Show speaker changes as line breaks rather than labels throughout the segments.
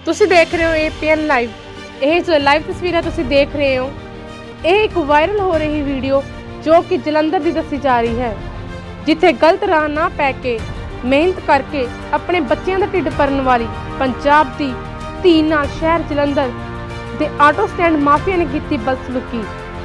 ਤੁਸੀਂ ਦੇਖ ਰਹੇ ਹੋ APN ਲਾਈਵ। ਇਹ ਜੋ ਲਾਈਵ ਤਸਵੀਰਾਂ ਤੁਸੀਂ ਦੇਖ ਰਹੇ ਹੋ, ਇਹ ਇੱਕ ਵਾਇਰਲ ਹੋ ਰਹੀ ਵੀਡੀਓ ਜੋ ਕਿ ਜਲੰਧਰ ਦੀ ਦੱਸੀ ਜਾ ਰਹੀ ਹੈ, ਜਿੱਥੇ ਗਲਤ ਰਾਹ ਨਾ ਪੈ ਕੇ ਮਿਹਨਤ ਕਰਕੇ ਆਪਣੇ ਬੱਚਿਆਂ ਦਾ ਢਿੱਡ ਭਰਨ ਵਾਲੀ ਪੰਜਾਬ ਦੀ ਧੀ ਨਾਲ ਸ਼ਹਿਰ ਜਲੰਧਰ ਦੇ ਆਟੋ ਸਟੈਂਡ ਮਾਫੀਆ ਨੇ ਕੀਤੀ ਬਦਸਲੂਕੀ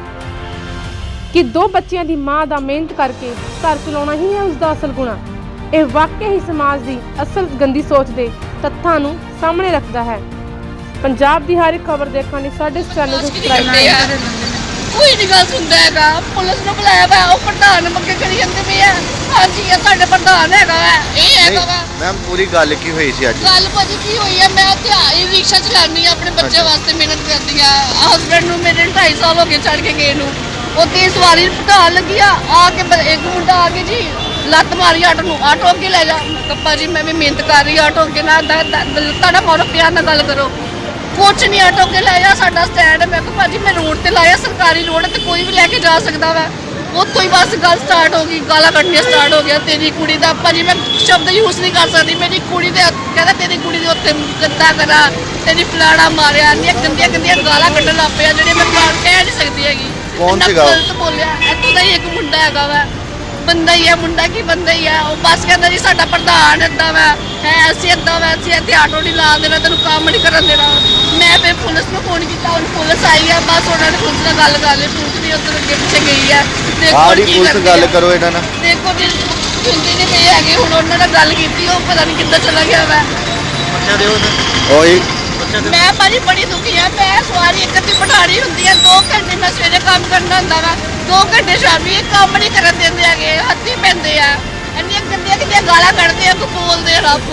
ਕਿ ਦੋ ਬੱਚਿਆਂ ਦੀ ਮਾਂ ਦਾ ਮਿਹਨਤ ਕਰਕੇ ਘਰ ਚਲਾਉਣਾ ਹੀ ਹੈ ਉਸ ਦਾ ਅਸਲ ਗੁਣਾ। ਇਹ ਵਾਕਿਆ ਹੀ ਸਮਾਜ ਦੀ ਅਸਲ ਗੰਦੀ ਸੋਚ ਦੇ ਤੱਥਾਂ ਨੂੰ ਸਾਹਮਣੇ ਰੱਖਦਾ ਹੈ। ਪੰਜਾਬ ਦੀ ਹਰ ਇੱਕ ਖਬਰ ਦੇਖਣ ਲਈ ਸਾਡੇ ਚੈਨਲ ਨੂੰ ਸਬਸਕ੍ਰਾਈਬ ਕਰੋ।
ਕੋਈ ਨਹੀਂ ਗੱਲ ਸੁਣਦਾ ਹੈਗਾ। ਪੁਲਿਸ ਨੂੰ ਬੁਲਾਇਆ ਵਾ, ਉਹ ਪ੍ਰਧਾਨ ਮੰਗੇ ਕਰੀ ਜਾਂਦੇ ਪਏ ਆ। ਹਾਂਜੀ ਇਹ ਸਾਡੇ ਪ੍ਰਧਾਨ ਹੈਗਾ ਵਾ, ਇਹ ਹੈਗਾ ਵਾ।
ਮੈਮ ਪੂਰੀ ਗੱਲ ਕੀ ਹੋਈ ਸੀ ਅੱਜ?
ਗੱਲ ਭਾਜੀ ਕੀ ਹੋਈ ਹੈ, ਮੈਂ ਤੇ ਆਈ ਰਿਕਸ਼ਾ ਚਲਾਉਂਦੀ ਆ, ਆਪਣੇ ਬੱਚੇ ਵਾਸਤੇ ਮਿਹਨਤ ਕਰਦੀ ਆ। ਹਸਬੈਂਡ ਨੂੰ ਮੇਰੇ 2.5 ਸਾਲ ਹੋ ਗਏ ਛੱਡ ਕੇ ਗਏ ਨੂੰ। ਉੱਥੇ ਸਵਾਰੀ ਪ੍ਰਧਾਨ ਲੱਗੀ ਆ ਕੇ ਇੱਕ ਮੁੰਡਾ ਆ ਕੇ ਜੀ ਲੱਤ ਮਾਰੀ ਆਟੋ ਨੂੰ, ਆਟੋ ਅੱਗੇ ਲੈ ਜਾ। ਕੱਪਾ ਜੀ ਮੈਂ ਵੀ ਮਿਹਨਤ ਕਰ ਰਹੀ, ਆਟੋ ਅੱਗੇ ਨਾ ਤੁਹਾਡਾ ਮਾਰੋ, ਪਿਆਰ ਨਾਲ ਗੱਲ ਕਰੋ। ਕੁਛ ਨਹੀਂ, ਆਟੋ ਅੱਗੇ ਲੈ ਜਾ, ਸਾਡਾ ਸਟੈਂਡ ਹੈ। ਮੈਂ ਕਿਹਾ ਭਾਜੀ ਮੈਂ ਰੋਡ ਤੇ ਲਾਇਆ, ਸਰਕਾਰੀ ਰੋਡ ਤੇ ਕੋਈ ਵੀ ਲੈ ਕੇ ਜਾ ਸਕਦਾ ਵਾ। ਉੱਥੋਂ ਹੀ ਬਸ ਗੱਲ ਸਟਾਰਟ ਹੋ ਗਈ, ਗਾਲਾਂ ਕੱਢਣੀਆਂ ਸਟਾਰਟ ਹੋ ਗਿਆ। ਤੇਰੀ ਕੁੜੀ ਦਾ ਭਾਜੀ ਮੈਂ ਸ਼ਬਦ ਯੂਜ਼ ਨਹੀਂ ਕਰ ਸਕਦੀ। ਮੇਰੀ ਕੁੜੀ ਦੇ ਕਹਿੰਦਾ ਤੇਰੀ ਕੁੜੀ ਦੇ ਉੱਤੇ ਗੰਦਾ ਕਰਾ, ਤੇਰੀ ਫਲਾੜਾ ਮਾਰਿਆ, ਇੰਨੀਆਂ ਗੰਦੀਆਂ ਗੰਦੀਆਂ ਗਾਲਾਂ ਕੱਢਣ ਲੱਗ ਪਿਆ ਜਿਹੜੇ ਮੈਂ ਕਹਿ ਨਹੀਂ ਸਕਦੀ ਹੈਗੀ।
ਕੌਣ ਸੀਗਾ?
ਗਲਤ ਬੋਲਿਆ। ਇੱਥੋਂ ਦਾ ਹੀ ਇੱਕ ਮੁੰਡਾ ਹੈਗਾ ਵਾ, ਬੰਦਾ ਹੀ ਹੈ, ਮੁੰਡਾ ਕੀ ਬੰਦਾ ਹੀ ਹੈ। ਉਹ ਬਸ ਕਹਿੰਦਾ ਜੀ ਸਾਡਾ ਪ੍ਰਧਾਨ ਏਦਾਂ ਵਾ ਹੈ, ਅਸੀਂ ਏਦਾਂ ਵਾ, ਅਸੀਂ ਇੱਥੇ ਆਟੋ ਨਹੀਂ ਲਾ ਦੇਣਾ, ਤੈਨੂੰ ਕੰਮ ਨਹੀਂ ਕਰਨ ਦੇਣਾ। ਮੈਂ ਫਿਰ ਪੁਲਿਸ ਨੂੰ ਫੋਨ ਕੀਤਾ, ਹੁਣ ਪੁਲਿਸ ਆਈ ਹੈ, ਬਸ ਉਹਨਾਂ ਨੇ ਪੁਲਿਸ ਨਾਲ ਗੱਲ ਕਰ ਲਈ। ਪੁਲਿਸ ਵੀ ਉੱਧਰ ਅੱਗੇ ਪਿੱਛੇ ਗਈ ਹੈ।
ਆੜੀ ਪੁਲਿਸ ਗੱਲ ਕਰੋ ਇਹਨਾਂ ਨਾਲ।
ਦੇਖੋ ਜੀ ਸੁਣਦੇ ਨਹੀਂ ਪਏ ਹੈਗੇ। ਹੁਣ ਉਹਨਾਂ ਨਾਲ ਗੱਲ ਕੀਤੀ, ਉਹ ਪਤਾ ਨਹੀਂ ਕਿੱਦਾਂ ਚਲਾ ਗਿਆ ਵਾ।
ਬੱਚਾ ਦਿਓ
ਓਏ
ਮੈਂ ਭਾਜੀ ਬੜੀ ਦੁਖੀ ਆ। ਮੈਂ ਸਵਾਰੀ ਇੱਕ ਅੱਧੀ ਬਿਠਾਣੀ ਹੁੰਦੀ ਹੈ, 2 ਘੰਟੇ ਮੈਂ ਸਵੇਰੇ ਕੰਮ ਕਰਨਾ ਹੁੰਦਾ ਵਾ, 2 ਘੰਟੇ ਸ਼ਾਮੀ। ਇਹ ਕੰਮ ਨਹੀਂ ਕਰਨ ਦਿੰਦੇ ਹੈਗੇ, ਹੱਥੀ ਪੈਂਦੇ ਆ, ਇੰਨੀਆਂ ਗੰਦੀਆਂ ਗੰਦੀਆਂ ਗਾਲਾਂ ਕੱਢਦੇ ਆ, ਬੋਲਦੇ ਰੱਬ।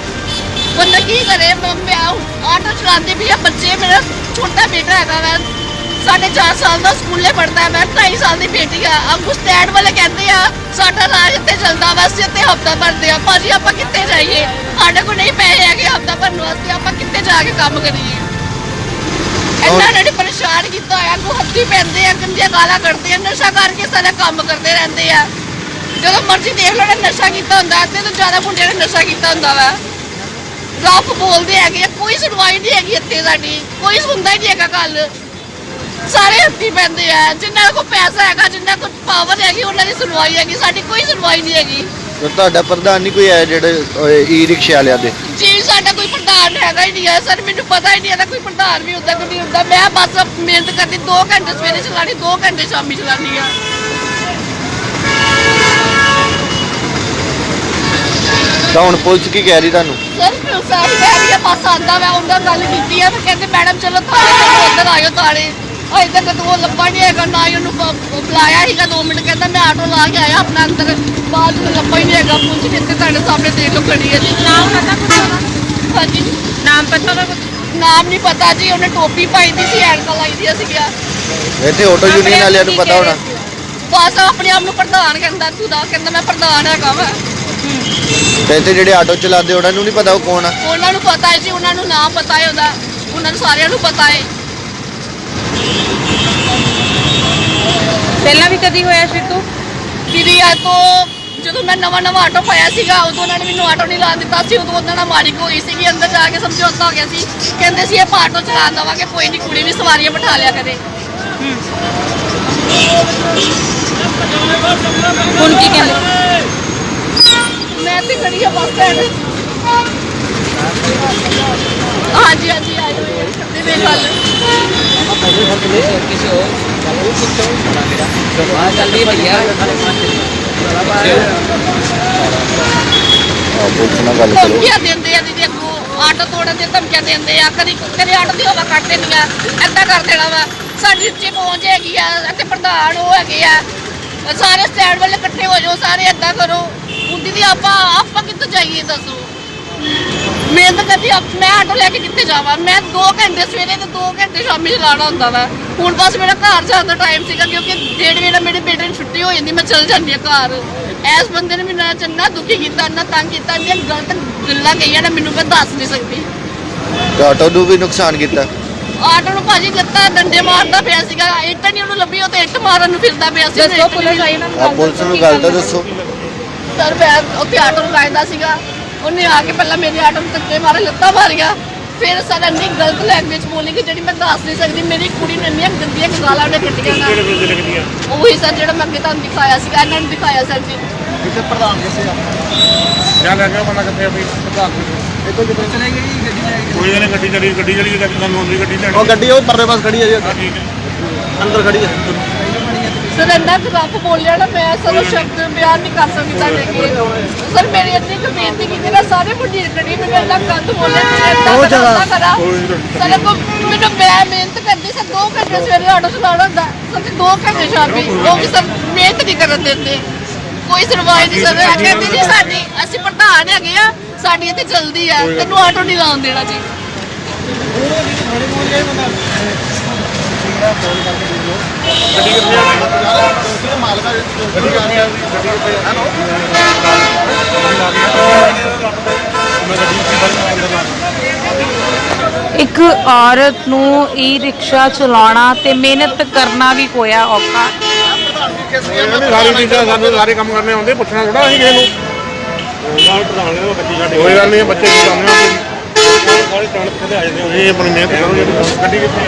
ਬੰਦਾ ਕੀ ਕਰੇ। ਮੈਂ ਆਟੋ ਚਲਾਉਂਦੀ ਵੀ ਆ, ਬੱਚੇ, ਮੇਰਾ ਛੋਟਾ ਬੇਟਾ ਹੈਗਾ ਵਾ 4.5 ਸਾਲ ਦਾ, ਸਕੂਲੇ ਪੜ੍ਹਦਾ। ਮੈਂ 2.5 ਸਾਲ ਦੀ ਬੇਟੀ ਆ। ਅੱਗੋਂ ਸਟੈਂਡ ਵਾਲੇ ਕਹਿੰਦੇ ਆ ਸਾਡਾ ਇਲਾਜ ਇੱਥੇ ਚੱਲਦਾ ਵਾ, ਅਸੀਂ ਇੱਥੇ ਹਫ਼ਤਾ ਭਰਦੇ ਆ। ਭਾਜੀ ਆਪਾਂ ਕਿੱਥੇ ਜਾਈਏ, ਸਾਡੇ ਕੋਲ ਨਹੀਂ ਪੈਸੇ ਹੈਗੇ ਹਫ਼ਤਾ ਭਰਨ ਵਾਸਤੇ, ਆਪਾਂ ਕਿੱਥੇ ਜਾ ਕੇ ਕੰਮ ਕਰੀਏ। ਇਹਨਾਂ ਨੇ ਪਰੇਸ਼ਾਨ ਕੀਤਾ ਹੋਇਆ, ਅੱਗੋਂ ਹੱਥੀ ਪੈਂਦੇ ਆ, ਗੰਦੀਆਂ ਗਾਲਾਂ ਕੱਢਦੇ ਆ, ਨਸ਼ਾ ਕਰਕੇ ਸਾਰਾ ਕੰਮ ਕਰਦੇ ਰਹਿੰਦੇ ਆ। ਜਦੋਂ ਮਰਜ਼ੀ ਦੇਖ ਲਓ, ਨਸ਼ਾ ਕੀਤਾ ਹੁੰਦਾ। ਅੱਧੇ ਤੋਂ ਜ਼ਿਆਦਾ ਮੁੰਡਿਆਂ ਨੇ ਨਸ਼ਾ ਕੀਤਾ ਹੁੰਦਾ ਵਾ। ਰੱਫ ਬੋਲਦੇ ਹੈਗੇ, ਕੋਈ ਸੁਣਵਾਈ ਨਹੀਂ ਹੈਗੀ ਇੱਥੇ ਸਾਡੀ, ਕੋਈ ਸੁਣਦਾ ਹੀ ਨਹੀਂ ਹੈਗਾ ਗੱਲ। ਸਾਰੇ ਹੱਥੀ ਪੈਂਦੇ ਆ। ਜਿੰਨਾਂ ਕੋਲ ਪੈਸਾ ਹੈਗਾ, ਜਿੰਨਾਂ ਕੋਲ ਪਾਵਰ ਹੈਗੀ, ਉਹਨਾਂ ਦੀ ਸੁਣਵਾਈ ਹੈਗੀ, ਸਾਡੀ ਕੋਈ ਸੁਣਵਾਈ ਨਹੀਂ ਹੈਗੀ।
ਤੇ ਤੁਹਾਡਾ ਪ੍ਰਧਾਨ ਨਹੀਂ ਕੋਈ ਆਇਆ ਜਿਹੜੇ ਈ ਰਿਕਸ਼ਾ ਵਾਲਿਆਂ ਦੇ?
ਜੀ ਸਾਡਾ ਕੋਈ ਪ੍ਰਧਾਨ ਹੈਗਾ ਹੀ ਨਹੀਂ ਹੈ ਸਰ, ਮੈਨੂੰ ਪਤਾ ਹੀ ਨਹੀਂ ਇਹਦਾ ਕੋਈ ਪ੍ਰਧਾਨ ਵੀ ਹੁੰਦਾ ਕਿ ਨਹੀਂ ਹੁੰਦਾ। ਮੈਂ ਬਸ ਮਿਹਨਤ ਕਰਦੀ, 2 ਘੰਟੇ ਸਵੇਰੇ ਚਲਾਣੀ, 2 ਘੰਟੇ ਸ਼ਾਮੀ ਚਲਾਣੀ ਆ।
ਤਾਂ ਹੁਣ ਪੁਲਿਸ ਕੀ ਕਹਿ ਰਹੀ ਤੁਹਾਨੂੰ?
ਸਰ ਪੁਲਿਸ ਆਈ ਕਹਿ ਰਹੀ ਹੈ, ਬਸ ਆਉਂਦਾ ਮੈਂ ਉਹਨਾਂ ਨਾਲ ਗੱਲ ਕੀਤੀ ਹੈ। ਫਿਰ ਕਹਿੰਦੇ ਮੈਡਮ ਚਲੋ ਥਾਣੇ ਚਲੋ, ਉੱਧਰ ਆਇਓ ਥਾਣੇ। ਅਜੇ ਤੱਕ ਉਹ ਲੱਭਾ ਨਹੀਂ ਹੈਗਾ, ਨਾ ਹੀ ਉਹਨੂੰ ਬੁਲਾਇਆ ਸੀਗਾ 2 ਮਿੰਟ। ਕਹਿੰਦਾ ਮੈਂ ਆਟੋ ਲਾ ਕੇ ਆਇਆ ਆਪਣਾ ਅੰਦਰ, ਬਾਅਦ ਵਿੱਚ ਲੱਭਾ ਹੀ ਨਹੀਂ ਹੈਗਾ। ਪੁਲਿਸ ਵੀ ਇੱਥੇ ਤੁਹਾਡੇ ਸਾਹਮਣੇ ਦੇਖ ਲਓ ਖੜੀ ਹੈ ਜੀ। ਨਾਮ ਪਤਾ ਕੁਛ ਉਹਦਾ? ਹਾਂਜੀ ਨਾਮ ਪਤਾ ਉਹਦਾ? ਨਾਮ ਨਹੀਂ ਪਤਾ ਜੀ। ਉਹਨੇ ਟੋਪੀ ਪਾਈ ਦੀ ਸੀ, ਐਨਕਾਂ ਲਾਈ ਦੀਆਂ ਸੀਗੀਆਂ।
ਇੱਥੇ ਆਟੋ ਯੂਨੀਅਨ ਵਾਲਿਆਂ ਨੂੰ ਪਤਾ ਹੋਣਾ।
ਬਸ ਆਪਣੇ ਆਪ ਨੂੰ ਪ੍ਰਧਾਨ ਕਹਿੰਦਾ, ਤੂੰ ਦਾ ਕਹਿੰਦਾ ਮੈਂ ਪ੍ਰਧਾਨ ਹੈਗਾ ਵਾ।
ਤੇ ਇੱਥੇ ਜਿਹੜੇ ਆਟੋ ਚਲਾਉਂਦੇ ਉਹਨਾਂ ਨੂੰ ਨਹੀਂ ਪਤਾ ਉਹ ਕੌਣ ਆ?
ਉਹਨਾਂ ਨੂੰ ਪਤਾ ਹੈ ਜੀ, ਉਹਨਾਂ ਨੂੰ ਨਾਮ ਪਤਾ ਹੈ ਉਹਦਾ, ਉਹਨਾਂ ਨੂੰ ਸਾਰਿਆਂ ਨੂੰ ਪਤਾ ਹੈ।
ਪਹਿਲਾਂ ਵੀ ਕਦੀ ਹੋਇਆ ਸ਼ਿਤੂ?
ਦੀਦੀ ਆ ਤੋਂ ਜਦੋਂ ਮੈਂ ਨਵਾਂ ਆਟੋ ਪਾਇਆ ਸੀਗਾ, ਉਦੋਂ ਉਹਨਾਂ ਨੇ ਮੈਨੂੰ ਆਟੋ ਨਹੀਂ ਲਾਉਣ ਦਿੱਤਾ ਸੀ। ਉਦੋਂ ਉਹਨਾਂ ਨਾਲ ਮਾਰੀ ਹੋਈ ਸੀਗੀ, ਅੰਦਰ ਜਾ ਕੇ ਸਮਝੌਤਾ ਹੋ ਗਿਆ ਸੀ। ਕਹਿੰਦੇ ਸੀ ਇਹ ਆਟੋ ਚਲਾ ਦੇਵਾਂਗੇ, ਕੋਈ ਨਹੀਂ, ਕੁੜੀ ਵੀ ਸਵਾਰੀਆਂ ਬਿਠਾ ਲਿਆ ਕਰੇ।
ਹੁਣ ਕੀ ਕਹਿੰਦੇ?
ਮੈਂ ਤੇ ਖੜੀ ਆ ਬੱਸ ਸਟੈਂਡ। ਹਾਂਜੀ ਹਾਂਜੀ ਆਇਓ ਕਰਦੇ ਵੇ ਗੱਲ।
ਪੁਲਿਸ ਨਾਲ ਗੱਲ ਕਰੋ।
ਧਮਕੀਆਂ ਦਿੰਦੇ ਆ ਦੀਦੀ, ਅੱਗੋਂ ਆਟੋ ਤੋੜਨ ਦੀਆਂ ਧਮਕੀਆਂ ਦਿੰਦੇ ਆ। ਕਦੇ ਆਟੋ ਦੀ ਹਵਾ ਕੱਢ ਦੇਣੀ ਆ, ਏਦਾਂ ਕਰ ਦੇਣਾ ਵਾ। ਸਾਡੀ ਉੱਚੀ ਪਹੁੰਚ ਹੈਗੀ ਆ, ਇੱਥੇ ਪ੍ਰਧਾਨ ਉਹ ਹੈਗੇ ਆ, ਸਾਰੇ ਸਟੈਂਡ ਵਾਲੇ ਇਕੱਠੇ ਹੋ ਜਾਓ, ਸਾਰੇ ਏਦਾਂ ਕਰੋ। ਹੁਣ ਦੀਦੀ ਆਪਾਂ ਕਿੱਥੋਂ ਜਾਈਏ ਦੱਸੋ? ਮਿਹਨਤ ਕਰਦੀ, ਮੈਂ ਆਟੋ ਲੈ ਕੇ ਕਿੱਥੇ ਜਾਵਾਂ? ਮੈਂ 2 ਘੰਟੇ ਸਵੇਰੇ ਤੇ 2 ਘੰਟੇ ਸ਼ਾਮੀ ਚਲਾਉਣਾ ਹੁੰਦਾ ਵਾ। ਹੁਣ ਬਸ ਮੇਰਾ ਘਰ ਜਾਣ ਦਾ ਟਾਈਮ ਸੀਗਾ, ਕਿਉਂਕਿ 1:30 ਵਜੇ ਮੇਰੇ ਬੇਟੇ ਨੂੰ ਛੁੱਟੀ ਹੋ ਜਾਂਦੀ, ਮੈਂ ਚਲ ਜਾਂਦੀ ਆ ਘਰ। ਇਸ ਬੰਦੇ ਨੇ ਮੈਨੂੰ ਚੰਗਾ ਦੁਖੀ ਕੀਤਾ, ਇੰਨਾ ਤੰਗ ਕੀਤਾ, ਇੰਨੀਆਂ ਗਲਤ ਗੱਲਾਂ ਕਹੀਆਂ ਨਾ, ਮੈਨੂੰ ਮੈਂ ਦੱਸ ਨਹੀਂ ਸਕਦੀ।
ਤੇ ਆਟੋ ਨੂੰ ਵੀ ਨੁਕਸਾਨ ਕੀਤਾ?
ਆਟੋ ਨੂੰ ਭਾਜੀ ਲੱਤਾਂ ਡੰਡੇ ਮਾਰਦਾ ਪਿਆ ਸੀਗਾ, ਇੱਟ ਨਹੀਂ ਉਹਨੂੰ ਲੱਭੀ, ਉਹ ਤੇ ਇੱਟ ਮਾਰਨ ਨੂੰ ਫਿਰਦਾ ਪਿਆ ਸੀ।
ਦੱਸੋ ਪੁਲਿਸ ਆਈ ਨਾ?
ਪੁਲਿਸ ਨੂੰ ਗੱਲ ਤਾਂ ਦੱਸੋ।
ਸਰ ਮੈਂ ਉੱਥੇ ਆਟੋ ਨੂੰ ਲਾਇਦਾ ਸੀਗਾ, ਉਹਨੇ ਆ ਕੇ ਪਹਿਲਾਂ ਮੇਰੇ ਆਟੋ ਨੂੰ ਧੱਕੇ ਮਾਰੇ, ਲੱਤਾਂ ਮਾਰੀਆਂ, ਫਿਰ ਸਰ ਇੰਨੀ ਗਲਤ ਲੈਂਗੁਏਜ ਬੋਲੀ ਕਿ ਜਿਹੜੀ ਮੈਂ ਦੱਸ ਨਹੀਂ ਸਕਦੀ। ਮੇਰੀ ਕੁੜੀ ਨੂੰ ਇੰਨੀਆਂ ਗੰਦੀਆਂ ਗਾਲਾਂ ਉਹਨੇ ਕੱਢੀਆਂ ਨਾ। ਉਹੀ ਸਰ ਜਿਹੜਾ ਮੈਂ ਅੱਗੇ ਤੁਹਾਨੂੰ ਦਿਖਾਇਆ ਸੀ, ਇਹਨਾਂ ਨੂੰ ਦਿਖਾਇਆ ਸਰ ਜੀ।
ਕਿਤੇ ਪ੍ਰਧਾਨ ਕਿਸੇ ਆ
ਜਾਂ ਲੈ ਗਿਆ ਬੰਦਾ ਕਿੱਥੇ ਵੀ ਪ੍ਰਧਾਨ
ਇਹ ਤੋਂ ਕਿਤੇ ਚਲੇ ਗਈ ਗੱਡੀ ਲੈ ਕੇ
ਕੋਈ ਗੱਲ ਗੱਡੀ ਚਲੀ ਤਾਂ ਤੁਹਾਨੂੰ ਆਉਂਦੀ ਗੱਡੀ ਲੈਣੀ
ਉਹ ਗੱਡੀ ਉਹ ਪਰਲੇ ਪਾਸ ਖੜੀ ਹੈ ਜੀ
ਠੀਕ ਹੈ
ਅੰਦਰ ਖੜੀ ਹੈ
ਸਰ ਇੰਨਾ ਖਰਾਬ ਬੋਲਿਆ ਨਾ, ਮੈਂ ਸਰ ਉਹ ਸ਼ਬਦ ਬਿਆਨ ਨਹੀਂ ਕਰ ਸਕਦੀ ਤੁਹਾਡੇ ਅੱਗੇ। ਸਰ ਮੇਰੀ ਇੰਨੀ ਕੁ ਬੇਨਤੀ ਕੀਤੀ ਨਾ, ਸਾਰੇ ਮੁੰਡੇ ਕੱਢੀ ਮੈਨੂੰ ਇੰਨਾ ਗੰਦ ਬੋਲਿਆ
ਬਹੁਤ ਜ਼ਿਆਦਾ।
ਸਰ ਅੱਗੋਂ ਮੈਨੂੰ ਮੈਂ ਮਿਹਨਤ ਕਰਦੀ ਸਰ 2 ਘੰਟੇ ਸਵੇਰੇ ਆਟੋ ਚਲਾਉਣਾ ਹੁੰਦਾ ਸਰ, 2 ਘੰਟੇ ਸ਼ਾਮੀ ਉਹ ਵੀ ਸਰ ਮਿਹਨਤ ਨਹੀਂ ਕਰਨ ਦਿੰਦੇ। ਕੋਈ ਸੁਣਵਾਈ ਨਹੀਂ ਸਰ। ਕਹਿੰਦੇ ਜੀ ਸਾਡੀ ਅਸੀਂ ਪ੍ਰਧਾਨ ਹੈਗੇ ਆ, ਸਾਡੀ ਇੱਥੇ ਚੱਲਦੀ ਆ, ਤੈਨੂੰ ਆਟੋ ਨਹੀਂ ਲਾਉਣ ਦੇਣਾ ਜੀ।
ਗੱਡੀ ਕਿੱਥੇ ਆ
ਮਾਲਕਾ
ਗੱਡੀ ਆ ਰਹੀ ਗੱਡੀ ਕਿੱਥੇ ਆ ਮੈਂ ਗੱਡੀ ਅੰਦਰ ਲਾ
ਇੱਕ ਔਰਤ ਨੂੰ ਈ ਰਿਕਸ਼ਾ ਚਲਾਉਣਾ ਤੇ ਮਿਹਨਤ ਕਰਨਾ ਵੀ ਹੋਇਆ ਔਖਾ।
ਸਾਰੀ ਚੀਜ਼ਾਂ ਸਾਨੂੰ ਸਾਰੇ ਕੰਮ ਕਰਨੇ ਆਉਂਦੇ, ਪੁੱਛਣਾ ਥੋੜਾ ਅਸੀਂ ਕਿਸੇ ਨੂੰ। ਕੋਈ ਗੱਲ ਨਹੀਂ, ਬੱਚੇ ਕੀ ਕਰਨੇ ਆ ਸਾਰੇ ਟਾਣ ਕਿਤੇ ਆ ਜਾਂਦੇ ਇਹ ਆਪਣੀ ਮਿਹਨਤ ਕਰੋ। ਗੱਡੀ ਕਿੱਥੇ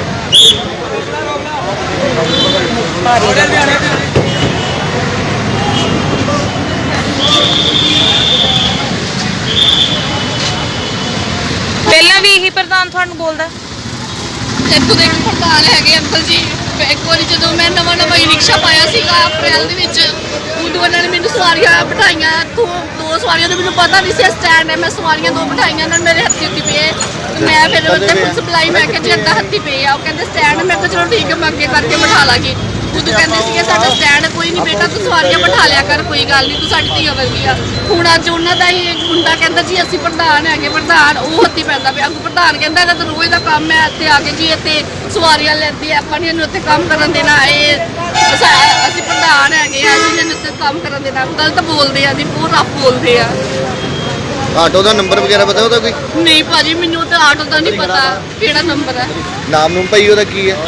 ਪਹਿਲਾਂ ਵੀ ਇਹੀ ਪ੍ਰਧਾਨ ਤੁਹਾਨੂੰ ਬੋਲਦਾ?
ਇੱਥੋਂ ਦੇ ਪ੍ਰਧਾਨ ਹੈਗੇ ਅੰਕਲ ਜੀ। ਇੱਕ ਵਾਰੀ ਜਦੋਂ ਮੈਂ ਨਵਾਂ ਹੀ ਰਿਕਸ਼ਾ ਪਾਇਆ ਸੀਗਾ ਅਪ੍ਰੈਲ ਦੇ ਵਿੱਚ, ਉਦੋਂ ਉਹਨਾਂ ਨੇ ਮੈਨੂੰ ਸਵਾਰੀਆਂ ਬਿਠਾਈਆਂ। 2 ਸਵਾਰੀਆਂ ਦਾ ਮੈਨੂੰ ਪਤਾ ਨਹੀਂ ਸੀ ਸਟੈਂਡ ਹੈ। ਮੈਂ ਸਵਾਰੀਆਂ 2 ਬਿਠਾਈਆਂ, ਉਹਨਾਂ ਨੇ ਮੇਰੇ ਹੱਥੀ ਪਏ। ਮੈਂ ਫਿਰ ਉੱਤੇ ਪੁਲਿਸ ਬੁਲਾਈ, ਮੈਂ ਕਿਹਾ ਜੀ ਅੱਧਾ ਹੱਥੀ ਪਏ ਆ। ਉਹ ਕਹਿੰਦੇ ਸਟੈਂਡ। ਮੈਂ ਕਿਹਾ ਚਲੋ ਠੀਕ ਹੈ, ਮੈਂ ਅੱਗੇ ਕਰਕੇ ਬਿਠਾ ਲਾਂਗੀ। ਉਦੋਂ ਕਹਿੰਦੇ ਸੀਗੇ ਸਾਡਾ ਸਟੈਂਡ ਕੋਈ ਨਹੀਂ ਬੇਟਾ, ਤੂੰ ਸਵਾਰੀਆਂ ਬਿਠਾ ਲਿਆ ਕਰ, ਕੋਈ ਗੱਲ ਨਹੀਂ, ਤੂੰ ਸਾਡੀ ਧੀ ਵਰਗੀ ਆ। ਹੁਣ ਅੱਜ ਉਹਨਾਂ ਦਾ ਹੀ ਮੁੰਡਾ ਕਹਿੰਦਾ ਜੀ ਅਸੀਂ ਪ੍ਰਧਾਨ ਹੈਗੇ, ਪ੍ਰਧਾਨ ਉਹ ਹੱਥੀ ਪੈਂਦਾ ਪਿਆ। ਅੱਗੋਂ ਪ੍ਰਧਾਨ ਕਹਿੰਦਾ ਇਹਦਾ ਤਾਂ ਰੋਜ਼ ਦਾ ਕੰਮ ਹੈ ਇੱਥੇ ਆ ਕੇ ਜੀ, ਇੱਥੇ ਸਵਾਰੀਆਂ ਲੈਂਦੀ ਆ, ਆਪਾਂ ਨਹੀਂ ਇਹਨੂੰ ਇੱਥੇ ਕੰਮ ਕਰਨ ਦੇਣਾ। ਇਹ ਅਸੀਂ ਪ੍ਰਧਾਨ ਹੈਗੇ ਆ, ਅਸੀਂ ਇਹਨੂੰ ਇੱਥੇ ਕੰਮ ਕਰਨ ਦੇਣਾ। ਗਲਤ ਬੋਲਦੇ ਆ ਜੀ, ਬਹੁਤ ਰੱਫ ਬੋਲਦੇ ਆ।
ਆਟੋ ਦਾ ਨੰਬਰ ਵਗੈਰਾ ਪਤਾ ਉਹਦਾ ਕੋਈ?
ਨਹੀਂ ਭਾਜੀ ਮੈਨੂੰ ਤਾਂ ਆਟੋ ਦਾ ਨਹੀਂ ਪਤਾ ਕਿਹੜਾ ਨੰਬਰ ਹੈ।
ਨਾਮ ਨੂੰ ਭਾਈ ਉਹਦਾ ਕੀ ਹੈ?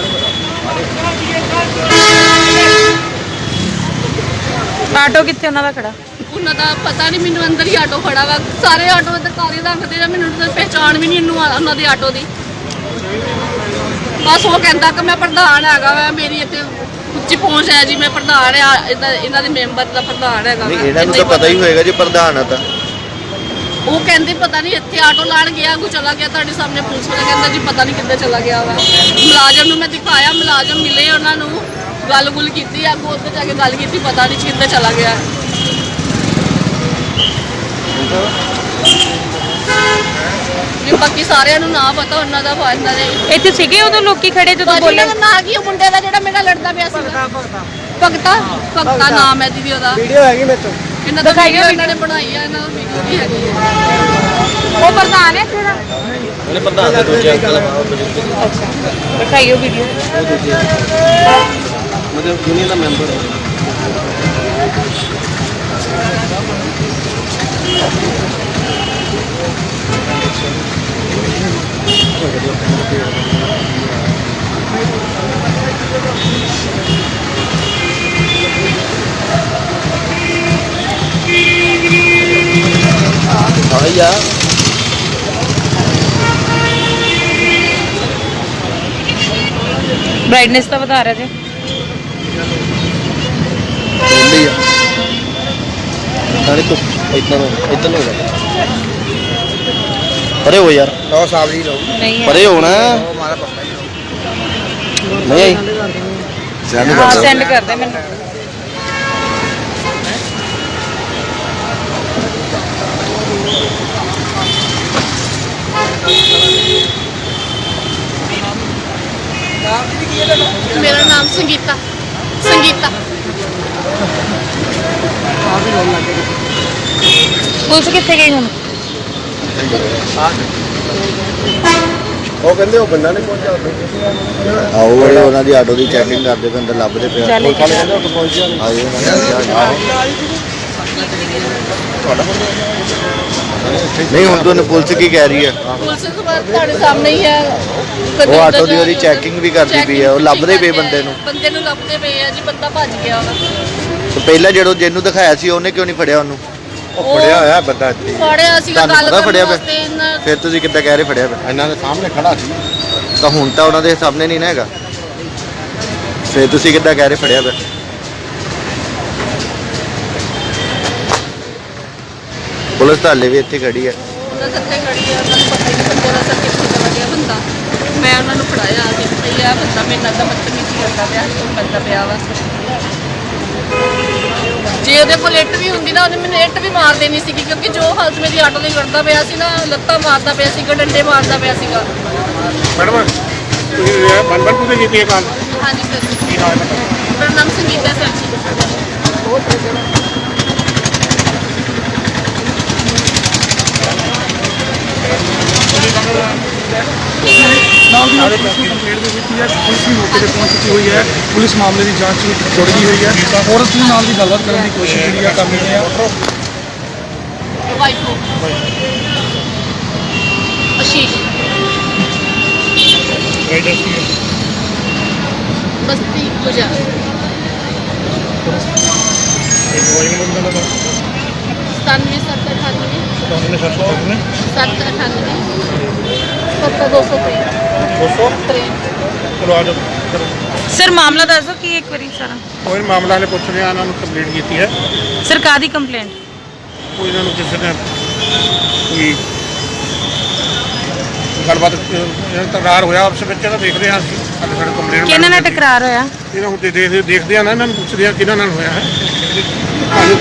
ਆਟੋ ਕਿੱਥੇ ਉਹਨਾਂ ਦਾ ਖੜਾ?
ਉਹਨਾਂ ਦਾ ਪਤਾ ਨਹੀਂ ਮੈਨੂੰ, ਅੰਦਰ ਹੀ ਆਟੋ ਖੜਾ ਵਾ। ਸਾਰੇ ਆਟੋ ਇੱਧਰ ਕਾਲੇ ਰੱਖਦੇ ਆ, ਮੈਨੂੰ ਤਾਂ ਪਹਿਚਾਣ ਵੀ ਨਹੀਂ ਇਹਨੂੰ ਉਹਨਾਂ ਦੇ ਆਟੋ ਦੀ। ਬਸ ਉਹ ਕਹਿੰਦਾ ਕਿ ਮੈਂ ਪ੍ਰਧਾਨ ਹੈਗਾ ਵਾ, ਮੇਰੀ ਇੱਥੇ ਉੱਚੀ ਪਹੁੰਚ ਹੈ ਜੀ, ਮੈਂ ਪ੍ਰਧਾਨ ਆ ਇਹਨਾਂ ਦੇ ਮੈਂਬਰ ਦਾ ਪ੍ਰਧਾਨ ਹੈਗਾ।
ਨਹੀਂ ਇਹਨਾਂ ਨੂੰ ਤਾਂ ਪਤਾ ਹੀ ਹੋਏਗਾ ਜੇ ਪ੍ਰਧਾਨ ਆ ਤਾਂ।
ਉਹ ਕਹਿੰਦੇ ਪਤਾ ਨਹੀਂ ਇੱਥੇ ਆਟੋ ਲਾਣ ਗਿਆ, ਕੋ ਚਲਾ ਗਿਆ। ਤੁਹਾਡੇ ਸਾਹਮਣੇ ਪੁਲਿਸ ਵਾਲਾ ਕਹਿੰਦਾ ਜੀ ਪਤਾ ਨਹੀਂ ਕਿੱਥੇ ਚਲਾ ਗਿਆ ਵਾ। ਮੁਲਾਜ਼ਮ ਨੂੰ ਮੈਂ ਦਿਖਾਇਆ, ਮੁਲਾਜ਼ਮ ਮਿਲੇ, ਉਹਨਾਂ ਨੂੰ ਗੱਲ-ਗੁੱਲ ਕੀਤੀ, ਅੱਗੋਂ ਉੱਧਰ ਜਾ ਕੇ ਗੱਲ ਕੀਤੀ, ਪਤਾ ਨਹੀਂ ਕਿੱਥੇ ਚਲਾ ਗਿਆ। ਵੀ ਬਾਕੀ ਸਾਰਿਆਂ ਨੂੰ ਨਾ ਪਤਾ ਉਹਨਾਂ ਦਾ ਇਹਨਾਂ ਦੇ।
ਇੱਥੇ ਸੀਗੇ ਉਦੋਂ ਲੋਕੀ ਖੜੇ ਜਦੋਂ ਬੋਲੇ?
ਇਹਨਾਂ ਦਾ ਨਾਂ ਕੀ ਉਹ ਮੁੰਡੇ ਦਾ ਜਿਹੜਾ ਮੇਰਾ ਲੜਦਾ ਪਿਆ ਸੀ? ਭਗਤਾ ਨਾਮ ਹੈ ਦੀਦੀ ਉਹਦਾ।
ਵੀਡੀਓ ਹੈਗੀ ਮੇਰੇ ਤੋਂ।
ਇਹਨਾਂ ਦਾ ਵੀਡੀਓ ਇਹਨਾਂ ਨੇ ਬਣਾਈ ਆ, ਇਹਨਾਂ ਦਾ ਵੀਡੀਓ ਵੀ ਹੈਗੀ ਹੈ।
ਉਹ ਪ੍ਰਧਾਨ ਹੈ ਇੱਥੇ ਦਾ?
ਉਹਨੇ ਪ੍ਰਧਾਨ ਦੇ ਦੂਜੇ ਅੰਕਲ
ਅੱਛਾ, ਦਿਖਾਈਓ ਵੀਡੀਓ।
ਉਹ ਦੂਜੇ ਮਤਲਬ ਯੂਨੀਅਨ ਦਾ ਮੈਂਬਰ ਹੈ।
ਆਇਆ
ਬ੍ਰਾਈਟਨੈਸ ਤਾਂ ਵਧਾ ਰਿਹਾ ਜੀ।
ਬੋਲੀ ਆ ਨਾਲੇ ਤੂੰ ਇਦਾਂ ਹੋ ਜਾ। ਪਰੇ ਹੋ ਯਾਰ, ਲਓ ਸਾਬ ਜੀ ਲਓ,
ਨਹੀਂ ਹੈ।
ਪਰੇ ਹੋਣਾ
ਹਮਾਰਾ ਪੱਕਾ ਹੀ
ਨਹੀਂ ਆਈ। ਸੈਂਡ
ਹਾਂ
ਕਰ
ਸੈਂਡ ਕਰ ਦੇ ਮੈਨੂੰ।
ਮੇਰਾ ਨਾਮ ਸੰਗੀਤਾ।
ਪੁਲਿਸ ਕਿੱਥੇ ਗਈ ਹੁਣ?
ਉਹ ਕਹਿੰਦੇ ਉਹ ਬੰਦਾ ਨਹੀਂ ਪਹੁੰਚਿਆ।
ਆਓ ਉਹਨਾਂ ਦੀ ਆਟੋ ਦੀ ਚੈਕਿੰਗ ਕਰਦੇ ਪਏ, ਅੰਦਰ ਲੱਭਦੇ ਪਏ।
ਚੱਲ ਇੱਕ
ਕਹਿੰਦੇ ਉਹ ਪਹੁੰਚਿਆ ਨਹੀਂ।
ਆਏ ਨਹੀਂ ਹੁਣ ਤੁਹਾਨੂੰ ਪੁਲਿਸ ਕੀ ਕਹਿ ਰਹੀ ਹੈ?
ਪੁਲਿਸ ਤੁਹਾਡੇ ਸਾਹਮਣੇ ਹੀ ਹੈ।
ਉਹ ਆਟੋ ਦੀ ਉਹਦੀ ਚੈਕਿੰਗ ਵੀ ਕਰਦੀ ਪਈ ਹੈ, ਉਹ ਲੱਭਦੇ ਪਏ ਬੰਦੇ ਨੂੰ।
ਬੰਦੇ ਨੂੰ ਲੱਭਦੇ ਪਏ ਆ ਜੀ, ਬੰਦਾ ਭੱਜ ਗਿਆ ਉਹਦਾ।
ਤੇ ਪਹਿਲਾਂ ਜਿਹਨੂੰ ਦਿਖਾਇਆ ਸੀ ਉਹਨੇ ਕਿਉਂ ਨਹੀਂ ਫੜਿਆ ਉਹਨੂੰ? ਉਹ ਫੜਿਆ ਹੋਇਆ ਬੰਦਾ ਇੱਥੇ
ਫੜਿਆ ਸੀਗਾ
ਤੁਹਾਨੂੰ
ਗੱਲ
ਪਤਾ ਫੜਿਆ
ਕਰਨ
ਪਿਆ?
ਵਾਸਤੇ ਇਹਨਾਂ-
ਫਿਰ ਤੁਸੀਂ ਕਿੱਦਾਂ ਕਹਿ ਰਹੇ ਫੜਿਆ ਪਿਆ?
ਇਹਨਾਂ ਦੇ ਸਾਹਮਣੇ ਖੜਾ ਸੀ।
ਤਾਂ ਹੁਣ ਤਾਂ ਉਹਨਾਂ ਦੇ ਸਾਹਮਣੇ ਨਹੀਂ ਨਾ ਹੈਗਾ, ਫਿਰ ਤੁਸੀਂ ਕਿੱਦਾਂ ਕਹਿ ਰਹੇ ਫੜਿਆ ਪਿਆ? ਪੁਲਿਸ ਤਾਂ ਹਾਲੇ ਵੀ ਇੱਥੇ ਖੜੀ ਹੈ।
ਉਹਨਾਂ ਸੱਤੇ ਖੜੀ ਆ, ਉਹਨਾਂ ਨੂੰ ਪਤਾ ਹੀ ਨਹੀਂ ਬੰਦੇ ਦਾ ਸਰ ਕਿੱਥੇ ਚਲਾ ਗਿਆ ਬੰਦਾ। ਮੈਂ ਉਹਨਾਂ ਨੂੰ ਫੜਾਇਆ ਆ ਕੇ ਭਈ ਆ ਬੰਦਾ ਮੇਰੇ ਨਾਲ ਤਾਂ ਬਦਤਮੀਜ਼ੀ ਕਰਦਾ ਪਿਆ, ਤੋਂ ਬੰਦਾ ਪਿਆ ਵਾ। ਜੇ ਉਹਦੇ ਕੋਲ ਇੱਟ ਵੀ ਹੁੰਦੀ ਨਾ, ਉਹਨੇ ਮੈਨੂੰ ਇੱਟ ਵੀ ਮਾਰ ਦੇਣੀ ਸੀਗੀ, ਕਿਉਂਕਿ ਜੋ ਹਾਲਤ ਮੇਰੀ ਆਟੋ ਦੀ ਕਰਦਾ ਪਿਆ ਸੀ ਨਾ, ਲੱਤਾਂ ਮਾਰਦਾ ਪਿਆ ਸੀਗਾ, ਡੰਡੇ ਮਾਰਦਾ ਪਿਆ ਸੀਗਾ।
ਮੈਡਮ ਤੁਸੀਂ ਬਨਬਨ ਤੋਂ ਕੀਤੀ ਇਹ ਕਾਲ?
ਹਾਂਜੀ ਸਰ,
ਕੀ ਨਾਮ ਹੈ ਤੁਹਾਡਾ?
ਮੇਰਾ ਨਾਮ ਸੰਗੀਤਾ ਸਰ ਜੀ।
ਨਾਲ ਦੀ ਨਾਲ ਪੁਲਿਸ ਨੂੰ ਕੰਪਲੇਂਟ ਦੇ ਦਿੱਤੀ ਹੈ। ਪੁਲਿਸ ਵੀ ਮੌਕੇ ਤੇ ਪਹੁੰਚ ਚੁੱਕੀ ਹੋਈ ਹੈ। ਪੁਲਿਸ ਮਾਮਲੇ ਦੀ ਜਾਂਚ ਵਿੱਚ ਜੁੜ ਗਈ ਹੋਈ ਹੈ। ਔਰਤ ਦੇ ਨਾਲ ਵੀ ਗੱਲਬਾਤ ਕਰਨ ਦੀ ਕੋਸ਼ਿਸ਼ ਜਿਹੜੀ ਆ ਕਰ ਰਹੇ ਆ।
ਵਾਈਫ ਅਸ਼ੀਸ਼
ਐਡਰੈਸ ਕੀ ਹੈ?
ਬਸਤੀ ਗੁਜਾ
ਇਹ ਮੋਬਾਈਲ ਨੰਬਰ ਦਾ
97
ਤੁਹਾਨੂੰ ਸਰਚ ਕਰਨਾ
798 70203
ਦੋਸਤੋ ਚਲੋ ਆ ਜਾਓ।
ਸਰ ਮਾਮਲਾ ਦੱਸ ਦਿਓ ਕੀ ਇੱਕ ਵਾਰੀ ਸਾਰਾ।
ਕੋਈ ਮਾਮਲਾ ਨੇ ਪੁੱਛ ਰਿਹਾ, ਇਹਨਾਂ ਨੂੰ ਕੰਪਲੇਂਟ ਕੀਤੀ ਹੈ।
ਸਰ ਕਾਹਦੀ ਕੰਪਲੇਂਟ?
ਕੋਈ ਇਹਨਾਂ ਨੂੰ ਕਿਸੇ ਨੇ ਕੋਈ ਗੱਲਬਾਤ ਤਕਰਾਰ ਹੋਇਆ ਆਪਸ ਵਿੱਚ, ਤਾਂ ਦੇਖਦੇ ਹਾਂ ਅਸੀਂ। ਸਾਡੇ ਕੰਪਲੇਂਟ
ਕਿਹਨਾਂ ਨਾਲ ਟਕਰਾਰ ਹੋਇਆ?
ਇਹਨਾਂ ਨੂੰ ਦੇਖਦੇ ਆ ਨਾ, ਇਹਨਾਂ ਨੂੰ ਪੁੱਛਦੇ ਆ ਕਿਹਨਾਂ ਨਾਲ ਹੋਇਆ ਹੈ।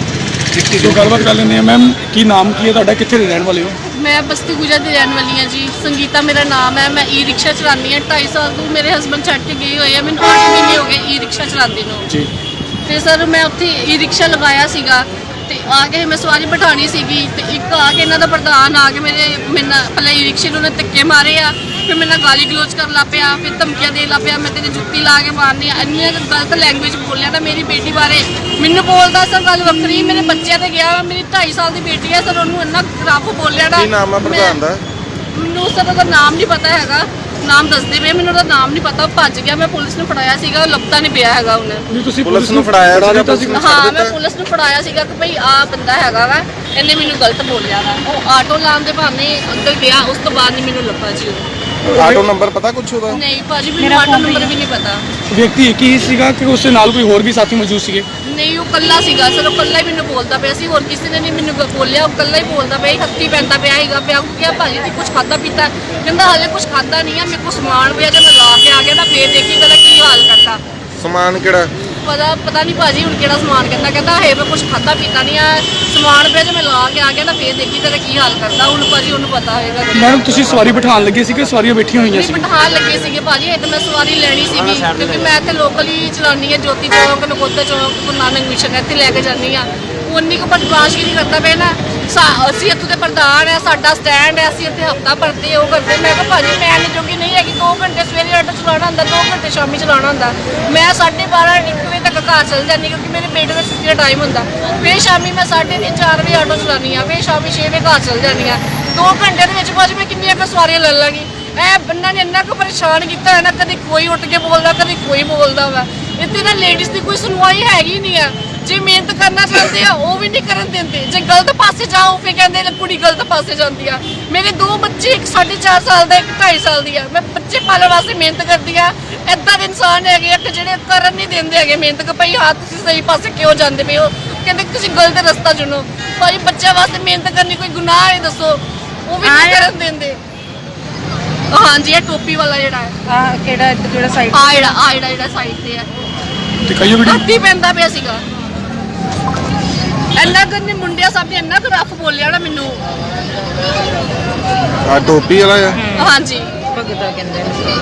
ਜੋ ਗੱਲਬਾਤ ਕਰ ਲੈਂਦੇ ਆ। ਮੈਮ ਕੀ ਨਾਮ ਕੀ ਹੈ ਤੁਹਾਡਾ, ਕਿੱਥੇ ਦੇ ਰਹਿਣ ਵਾਲੇ ਹੋ?
ਮੈਂ ਬਸਤੀ ਗੁਜਾ ਦੀ ਰਹਿਣ ਵਾਲੀ ਹਾਂ ਜੀ। ਸੰਗੀਤਾ ਮੇਰਾ ਨਾਮ ਹੈ। ਮੈਂ ਈ ਰਿਕਸ਼ਾ ਚਲਾਉਂਦੀ ਹਾਂ। 2.5 ਸਾਲ ਤੋਂ ਮੇਰੇ ਹਸਬੰਡ ਛੱਡ ਕੇ ਗਏ ਹੋਏ ਆ। ਮੈਨੂੰ 8 ਮਹੀਨੇ ਹੋ ਗਏ ਈ ਰਿਕਸ਼ਾ ਚਲਾਉਂਦੀ ਨੂੰ
ਜੀ।
ਤੇ ਸਰ ਮੈਂ ਉੱਥੇ ਈ ਰਿਕਸ਼ਾ ਲਗਾਇਆ ਸੀਗਾ ਤੇ ਆ ਕੇ ਮੈਂ ਸਵਾਰੀ ਬਿਠਾਣੀ ਸੀਗੀ ਤੇ ਇੱਕ ਆ ਕੇ ਇਹਨਾਂ ਦਾ ਪ੍ਰਧਾਨ ਆ ਕੇ ਮੇਰੇ ਨਾਲ ਪਹਿਲਾਂ ਈ ਰਿਕਸ਼ੇ ਨੂੰ ਉਹਨੇ ਧੱਕੇ ਮਾਰੇ ਆ, ਫਿਰ ਮੇਰੇ ਨਾਲ ਗਾਲੀ ਗਲੋਚ ਕਰਨ ਲੱਗ ਪਿਆ, ਫਿਰ ਧਮਕੀਆਂ ਦੇਣ ਲੱਗ ਪਿਆ, ਮੈਂ ਤੇਰੀ ਜੁੱਤੀ ਲਾ ਕੇ ਮਾਰਨੀ ਆ। ਇੰਨੀਆਂ ਗਲਤ ਲੈਂਗੁਏਜ ਬੋਲਿਆ ਤਾਂ ਮੇਰੀ ਬੇਟੀ ਬਾਰੇ। ਮੈਨੂੰ ਬੋਲਦਾ ਸਰ ਗੱਲ ਵੱਖਰੀ, ਮੇਰੇ ਬੱਚਿਆਂ ਤੇ ਗਿਆ। ਮੇਰੀ 2.5 ਸਾਲ ਦੀ ਬੇਟੀ ਹੈ ਸਰ, ਉਹਨੂੰ ਇੰਨਾ ਖਰਾਬ ਬੋਲਿਆ ਨਾ।
ਕੀ ਨਾਮ ਹੈ ਪ੍ਰਧਾਨ ਦਾ?
ਮੈਨੂੰ ਸਰ ਉਹਦਾ ਨਾਮ ਨਹੀਂ ਪਤਾ ਹੈਗਾ, ਨਾਮ ਦੱਸਦੇ ਪਏ, ਮੈਨੂੰ ਉਹਦਾ ਨਾਮ ਨਹੀਂ ਪਤਾ। ਉਹ ਭੱਜ ਗਿਆ, ਮੈਂ ਪੁਲਿਸ ਨੂੰ ਫੜਾਇਆ ਸੀਗਾ, ਉਹ ਲੱਭਦਾ ਨਹੀਂ ਪਿਆ ਹੈਗਾ ਉਹਨੇ।
ਨਹੀਂ ਤੁਸੀਂ
ਪੁਲਿਸ ਨੂੰ ਫੜਾਇਆ ਸੀਗਾ?
ਹਾਂ ਮੈਂ ਪੁਲਿਸ ਨੂੰ ਫੜਾਇਆ ਸੀਗਾ ਕਿ ਭਈ ਆਹ ਬੰਦਾ ਹੈਗਾ ਵਾ, ਇਹਨੇ ਮੈਨੂੰ ਗਲਤ ਬੋਲਿਆ ਵਾ। ਉਹ ਆਟੋ ਲਾਉਣ ਦੇ ਬਹਾਨੇ ਅੰਦਰ ਗਿਆ, ਉਸ ਤੋਂ ਬਾਅਦ ਨਹੀਂ ਮੈਨੂੰ ਲੱਭਾ ਜੀ ਉਹ।
ਆਟੋ ਨੰਬਰ ਪਤਾ ਕੁਛ ਉਹਦਾ?
ਨਹੀਂ ਭਾਜੀ ਮੈਨੂੰ ਆਟੋ ਨੰਬਰ ਵੀ ਨਹੀਂ ਪਤਾ।
ਵਿਅਕਤੀ ਇੱਕ ਹੀ ਸੀਗਾ ਕਿ ਉਸ ਦੇ ਨਾਲ ਕੋਈ ਹੋਰ ਵੀ ਸਾਥੀ ਮੌਜੂਦ ਸੀਗੇ?
ਨਹੀਂ ਉਹ ਕੱਲਾ ਸੀਗਾ ਸਰ, ਉਹ ਕੱਲਾ ਹੀ ਮੈਨੂੰ ਬੋਲਦਾ ਪਿਆ ਸੀ, ਹੋਰ ਕਿਸੇ ਨੇ ਨਹੀਂ ਮੈਨੂੰ ਬੋਲਿਆ। ਉਹ ਕੱਲਾ ਹੀ ਬੋਲਦਾ ਪਿਆ, ਹੱਥੀ ਪੈਂਦਾ ਪਿਆ ਹੈਗਾ। ਪਿਆ ਕਿਹਾ ਭਾਜੀ ਤੂੰ ਕੁਝ ਖਾਦਾ ਪੀਤਾ? ਕਹਿੰਦਾ ਹਾਲੇ ਕੁਝ ਖਾਦਾ ਨਹੀਂ ਆ, ਮੇਰੇ ਕੋਲ ਸਮਾਨ ਪਿਆ, ਜੇ ਮੈਂ ਲਾ ਕੇ ਆ ਗਿਆ ਨਾ ਫੇਰ ਦੇਖੀ ਤੇਰਾ ਕੀ ਹਾਲ ਕਰਦਾ।
ਸਮਾਨ ਕਿਹੜਾ?
ਪਤਾ ਨਹੀਂ ਭਾਜੀ ਹੁਣ ਕਿਹੜਾ ਸਮਾਨ ਕਹਿੰਦਾ ਹੈ ਮੈਂ ਕੁਝ ਖਾਦਾ ਪੀਤਾ ਨਹੀਂ ਆ, ਸਮਾਨ ਪਿਆ, ਜੇ ਮੈਂ ਲਾ ਕੇ ਆ ਗਿਆ ਨਾ ਫੇਰ ਦੇਖੀ ਤੇਰਾ ਕੀ ਹਾਲ ਕਰਦਾ। ਹੁਣ ਭਾਜੀ ਉਹਨੂੰ ਪਤਾ ਹੋਏਗਾ।
ਮੈਡਮ ਤੁਸੀਂ ਸਵਾਰੀ ਬਿਠਾਉਣ ਲੱਗੇ ਸੀ ਕਿ ਸਵਾਰੀਆਂ ਬੈਠੀਆਂ ਹੋਈਆਂ
ਨਹੀਂ
ਸੀ?
ਬਿਠਾਉਣ ਲੱਗੇ ਸੀਗੇ ਭਾਜੀ, ਇਹ ਤਾਂ ਮੈਂ ਸਵਾਰੀ ਲੈਣੀ ਸੀਗੀ, ਕਿਉਂਕਿ ਮੈਂ ਇੱਥੇ ਲੋਕਲ ਹੀ ਚਲਾਉਣੀ ਹੈ। ਜੋਤੀ ਚੌਂਕ, ਨਕੋਦਰ ਚੌਂਕ, ਗੁਰੂ ਨਾਨਕ ਮਿਸ਼ਨ ਇੱਥੇ ਲੈ ਕੇ ਜਾਂਦੀ ਆ। ਉਨੀ ਕੁ ਬਰਦਾਸ਼ਤ ਨਹੀਂ ਕਰਦਾ ਪਿਆ ਨਾ। ਅਸੀਂ ਇੱਥੋਂ ਦੇ ਪ੍ਰਧਾਨ ਆ, ਸਾਡਾ ਸਟੈਂਡ ਹੈ, ਅਸੀਂ ਇੱਥੇ ਹਫਤਾ ਭਰਦੇ ਉਹ ਕਰਦੇ। ਮੈਂ ਕਿਹਾ ਭਾਜੀ ਮੈਂ ਨਹੀਂ ਜੋਗੀ ਨਹੀਂ ਹੈਗੀ, 2 ਘੰਟੇ ਸਵੇਰੇ ਆਟੋ ਚਲਾਉਣਾ ਹੁੰਦਾ, 2 ਘੰਟੇ ਸ਼ਾਮੀ ਚਲਾਉਣਾ ਹੁੰਦਾ। ਮੈਂ 12:30 1 ਵਜੇ ਤੱਕ ਘਰ ਚਲ ਜਾਂਦੀ, ਕਿਉਂਕਿ ਮੇਰੇ ਬੇਟੇ ਦਾ ਛੁੱਟੀ ਦਾ ਟਾਈਮ ਹੁੰਦਾ। ਫਿਰ ਸ਼ਾਮੀ ਮੈਂ 3:30 4 ਵਜੇ ਆਟੋ ਚਲਾਉਣੀ ਆ, ਫਿਰ ਸ਼ਾਮੀ 6 ਵਜੇ ਘਰ ਚਲ ਜਾਂਦੀ ਆ। 2 ਘੰਟੇ ਦੇ ਵਿੱਚ ਭਾਜੀ ਮੈਂ ਕਿੰਨੀਆਂ ਕੁ ਸਵਾਰੀਆਂ ਲੈ ਲਾਂਗੀ? ਇਹ ਬੰਦਾ ਨੇ ਇੰਨਾ ਕੁ ਪਰੇਸ਼ਾਨ ਕੀਤਾ ਹੈ ਨਾ, ਕਦੀ ਕੋਈ ਉੱਠ ਕੇ ਬੋਲਦਾ, ਕਦੀ ਕੋਈ ਬੋਲਦਾ ਵਾ। ਇੱਥੇ ਨਾ ਲੇਡੀਜ਼ ਦੀ ਕੋਈ ਸੁਣਵਾਈ ਹੈਗੀ ਨਹੀਂ ਆ। ਜੇ ਮਿਹਨਤ ਕਰਨਾ ਚਾਹੁੰਦੇ ਆ ਉਹ ਵੀ ਨਹੀਂ ਕਰਨ ਦਿੰਦੇ, ਜੇ ਗਲਤ ਪਾਸੇ ਜਾਓ ਫਿਰ ਕਹਿੰਦੇ ਨੇ ਕੁੜੀ ਗਲਤ ਪਾਸੇ ਜਾਂਦੀ ਆ। ਮੇਰੇ 2 ਬੱਚੇ, ਇੱਕ 4.5 ਸਾਲ ਦਾ, ਇੱਕ 2.5 ਸਾਲ ਦੀ ਆ। ਮੈਂ ਬੱਚੇ ਪਾਲਣ ਵਾਸਤੇ ਮਿਹਨਤ ਕਰਦੀ ਆ। ਏਦਾਂ ਦੇ ਇਨਸਾਨ ਹੈਗੇ ਆ ਕਿ ਜਿਹੜੇ ਕਰਨ ਨਹੀਂ ਦਿੰਦੇ ਹੈਗੇ ਮਿਹਨਤ, ਕਿ ਭਈ ਹਾਂ ਤੁਸੀਂ ਸਹੀ ਪਾਸੇ ਕਿਉਂ ਜਾਂਦੇ ਪਏ ਹੋ, ਕਹਿੰਦੇ ਤੁਸੀਂ ਗਲਤ ਰਸਤਾ ਚੁਣੋ। ਭਾਈ ਬੱਚਿਆਂ ਵਾਸਤੇ ਮਿਹਨਤ ਕਰਨੀ ਕੋਈ ਗੁਨਾਹ ਹੈ ਦੱਸੋ? ਉਹ ਵੀ ਨਹੀਂ ਕਰਨ ਦਿੰਦੇ। ਹਾਂਜੀ ਇਹ ਟੋਪੀ ਵਾਲਾ ਜਿਹੜਾ ਹੈ
ਕਿਹੜਾ ਜਿਹੜਾ ਸਾਈਡ?
ਜਿਹੜਾ ਸਾਈਡ ਤੇ ਹੈ,
ਦਿਖਾਈਓ ਵੀਡੀਓ।
ਹੱਥੀ ਪੈਂਦਾ ਪਿਆ ਸੀਗਾ। ਇੰਨਾ ਕਰਨੇ ਮੁੰਡਿਆਂ ਸਭ ਨੇ ਇੰਨਾ ਕੁ ਰਫ ਬੋਲਿਆ ਨਾ ਮੈਨੂੰ।
ਆ ਟੋਪੀ ਵਾਲਾ ਆ?
ਹਾਂਜੀ
ਭਗਤਾ ਕਹਿੰਦੇ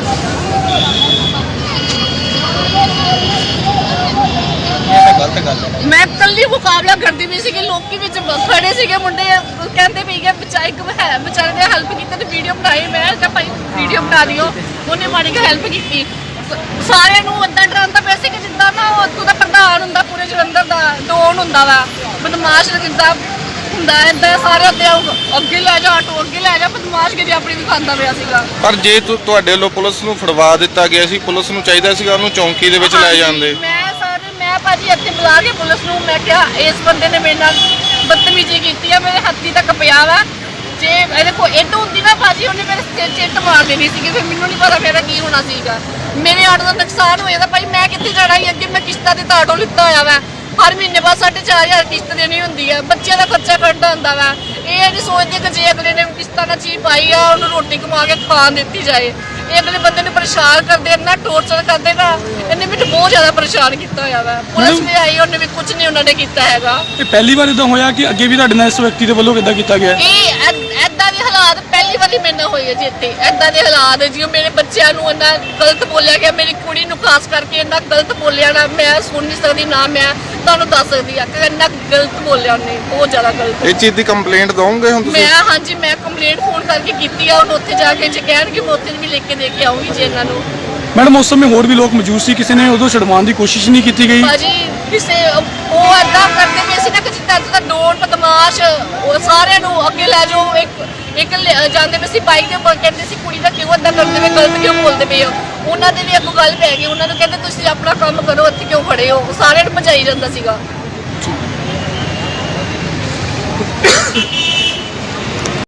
ਗਲਤ ਗੱਲ ਹੈ।
ਮੈਂ ਕੱਲੀ ਮੁਕਾਬਲਾ ਕਰਦੀ ਵੀ ਸੀਗੀ, ਲੋਕੀ ਵਿੱਚ ਖੜੇ ਸੀਗੇ ਮੁੰਡੇ, ਕਹਿੰਦੇ ਵੀ ਕਿ ਵਿਚਾਰੇ ਨੇ ਹੈਲਪ ਕੀਤੀ ਤੇ ਵੀਡੀਓ ਬਣਾਈ। ਮੈਂ ਕਿਹਾ ਭਾਈ ਵੀਡੀਓ ਬਣਾ ਦਿਓ। ਉਹਨੇ ਮਾੜੀ ਜਿਹੀ ਹੈਲਪ ਕੀਤੀ। ਸਾਰਿਆਂ ਨੂੰ ਏਦਾਂ ਡਰਾਉਂਦਾ ਪਿਆ ਸੀ ਕਿ ਜਿੱਦਾਂ ਨਾ ਉਹ ਉੱਥੋਂ ਦਾ ਪ੍ਰਧਾਨ ਹੁੰਦਾ, ਪੂਰੇ ਜਲੰਧਰ ਦਾ ਡੋਨ ਹੁੰਦਾ ਵਾ, ਬਦਮਾਸ਼ ਜਿੱਦਾਂ ਹੁੰਦਾ ਏਦਾਂ। ਸਾਰੇ ਅੱਗੇ ਲੈ ਜਾ, ਆਟੋ ਅੱਗੇ ਲੈ ਜਾ, ਬਦਮਾਸ਼ਗਿਰੀ ਆਪਣੀ ਦਿਖਾਉਂਦਾ ਪਿਆ ਸੀਗਾ।
ਪਰ ਜੇ ਤੁਹਾਡੇ ਵੱਲੋਂ ਪੁਲਿਸ ਨੂੰ ਫੜਵਾ ਦਿੱਤਾ ਗਿਆ ਸੀ, ਪੁਲਿਸ ਨੂੰ ਚਾਹੀਦਾ ਸੀਗਾ ਉਹਨੂੰ ਚੌਂਕੀ ਦੇ ਵਿੱਚ ਲੈ ਜਾਂਦੇ।
ਮੈਂ ਭਾਜੀ ਇੱਥੇ ਬੁਲਾ ਕੇ ਪੁਲਿਸ ਨੂੰ ਮੈਂ ਕਿਹਾ ਇਸ ਬੰਦੇ ਨੇ ਮੇਰੇ ਨਾਲ ਬਦਤਮੀਜ਼ੀ ਕੀਤੀ ਆ, ਮੇਰੇ ਹੱਥੀ ਤੱਕ ਪਿਆ ਵਾ। ਜੇ ਇਹਦੇ ਕੋਲ ਇੱਟ ਹੁੰਦੀ ਨਾ ਭਾਜੀ, ਉਹਨੇ ਮੇਰੇ ਸਿਰ 'ਚ ਇੱਟ ਮਾਰ ਦੇਣੀ ਸੀਗੀ, ਫਿਰ ਮੈਨੂੰ ਨਹੀਂ ਪਤਾ ਮੇਰਾ ਕੀ ਹੋਣਾ ਸੀਗਾ। ਮੇਰੇ ਆਟੋ ਦਾ ਨੁਕਸਾਨ ਹੋਇਆ ਤਾਂ ਭਾਈ ਮੈਂ ਕਿੱਥੇ ਜਾਣਾ ਸੀ, ਅੱਗੇ ਮੈਂ ਕਿਸ਼ਤਾਂ ਤੇ ਆਟੋ ਲਿੱਤਾ ਹੋਇਆ ਵਾ, ਹਰ ਮਹੀਨੇ ਬਾਅਦ 4,500 ਕਿਸ਼ਤ ਦੇਣੀ ਹੁੰਦੀ ਹੈ, ਬੱਚਿਆਂ ਦਾ ਖਰਚਾ ਕੱਢਦਾ ਹੁੰਦਾ ਵਾ। ਇਹ ਨਹੀਂ ਸੋਚਦੇ ਕਿ ਜੇ ਅਗਲੇ ਨੇ ਕਿਸ਼ਤਾਂ ਨਾਲ ਚੀਜ਼ ਪਾਈ ਆ, ਉਹਨੂੰ ਰੋਟੀ ਕਮਾ ਕੇ ਖਾਣ ਦਿੱਤੀ ਜਾਏ। ਇਹ ਅਗਲੇ ਬੰਦੇ ਨੂੰ ਪਰੇਸ਼ਾਨ ਕਰਦੇ, ਇੰਨਾ ਟੋਰਚਰ ਕਰਦੇ ਨਾ, ਇਹਨੇ ਮੈਨੂੰ ਬਹੁਤ ਜ਼ਿਆਦਾ ਪਰੇਸ਼ਾਨ ਕੀਤਾ ਹੋਇਆ ਵਾ। ਪੁਲਿਸ ਵੀ ਆਈ, ਉਹਨੇ ਵੀ ਕੁਝ ਨਹੀਂ ਉਹਨਾਂ ਨੇ ਕੀਤਾ ਹੈਗਾ।
ਇਹ ਪਹਿਲੀ ਵਾਰ ਇਦਾਂ ਹੋਇਆ ਕਿ ਅੱਗੇ ਵੀ ਤੁਹਾਡੇ ਨਾਲ ਇਸ ਵਿਅਕਤੀ ਦੇ ਵੱਲੋਂ ਕਿੱਦਾਂ ਕੀਤਾ ਗਿਆ?
ਇਹ ਐਦਾਂ ਦੇ ਹਾਲਾਤ ਪਹਿਲੀ ਵਾਰੀ ਮੇਰੇ ਨਾਲ ਹੋਏ ਆ ਜੀ ਇੱਥੇ। ਐਦਾਂ ਦੇ ਹਾਲਾਤ ਜਿਉਂ ਮੇਰੇ ਬੱਚਿਆਂ ਨੂੰ ਇੰਨਾ ਗਲਤ ਬੋਲਿਆ ਗਿਆ, ਮੇਰੀ ਕੁੜੀ ਨੂੰ ਖਾਸ ਕਰਕੇ ਇੰਨਾ ਗਲਤ ਬੋਲਿਆ ਨਾ, ਮੈਂ ਸੁਣ ਨਹੀਂ ਸਕਦੀ ਨਾ ਮੈਂ ਤੁਹਾਨੂੰ ਦੱਸ ਸਕਦੀ ਆ ਕਿ ਇੰਨਾ ਗਲਤ ਬੋਲਿਆ ਉਹਨੇ, ਬਹੁਤ ਜ਼ਿਆਦਾ ਗਲਤ।
ਇਹ ਚੀਜ਼ ਦੀ ਕੰਪਲੇਂਟ ਦਓਗੇ ਹੁਣ ਤੁਸੀਂ?
ਹਾਂਜੀ ਮੈਂ ਕੰਪਲੇਂਟ ਫੋਨ ਕਰਕੇ ਕੀਤੀ ਆ, ਹੁਣ ਉੱਥੇ ਜਾ ਕੇ ਜੇ ਕਹਿਣਗੇ ਮੈਂ ਉੱਥੇ ਵੀ ਲਿਖ ਕੇ ਦੇ ਕੇ ਆਉਂਗੀ ਜੀ ਇਹਨਾਂ ਨੂੰ।
ਮੈਡਮ ਉਸ ਸਮੇਂ ਹੋਰ ਵੀ ਲੋਕ ਮੌਜੂਦ ਸੀ, ਕਿਸੇ ਨੇ ਉਦੋਂ ਛਡਵਾਉਣ ਦੀ ਕੋਸ਼ਿਸ਼ ਨਹੀਂ ਕੀਤੀ ਗਈ?
ਭਾਜੀ ਕਿਸੇ ਉਹ ਏਦਾਂ ਕਰਦੇ ਪਏ ਸੀ ਨਾ ਕਿ ਜਿੱਦਾਂ ਦਾ ਡੋਰ ਬਦਮਾਸ਼, ਉਹ ਸਾਰਿਆਂ ਨੂੰ ਅੱਗੇ ਲੈ ਜਾਓ। ਇੱਕ ਜਾਂਦੇ ਪਏ ਸੀ ਬਾਈਕ ਦੇ ਉੱਪਰ, ਕਹਿੰਦੇ ਸੀ ਕੁੜੀ ਦਾ ਕਿਉਂ ਏਦਾਂ ਕਰਦੇ ਪਏ, ਗਲਤ ਕਿਉਂ ਬੋਲਦੇ ਪਏ ਹੋ। ਉਹਨਾਂ ਦੇ ਵੀ ਅੱਗੋਂ ਗੱਲ ਪੈ ਗਈ, ਉਹਨਾਂ ਨੂੰ ਕਹਿੰਦੇ ਤੁਸੀਂ ਆਪਣਾ ਕੰਮ ਕਰੋ, ਇੱਥੇ ਕਿਉਂ ਖੜੇ ਹੋ। ਸਾਰਿਆਂ ਨੂੰ ਭਜਾਈ ਜਾਂਦਾ ਸੀਗਾ।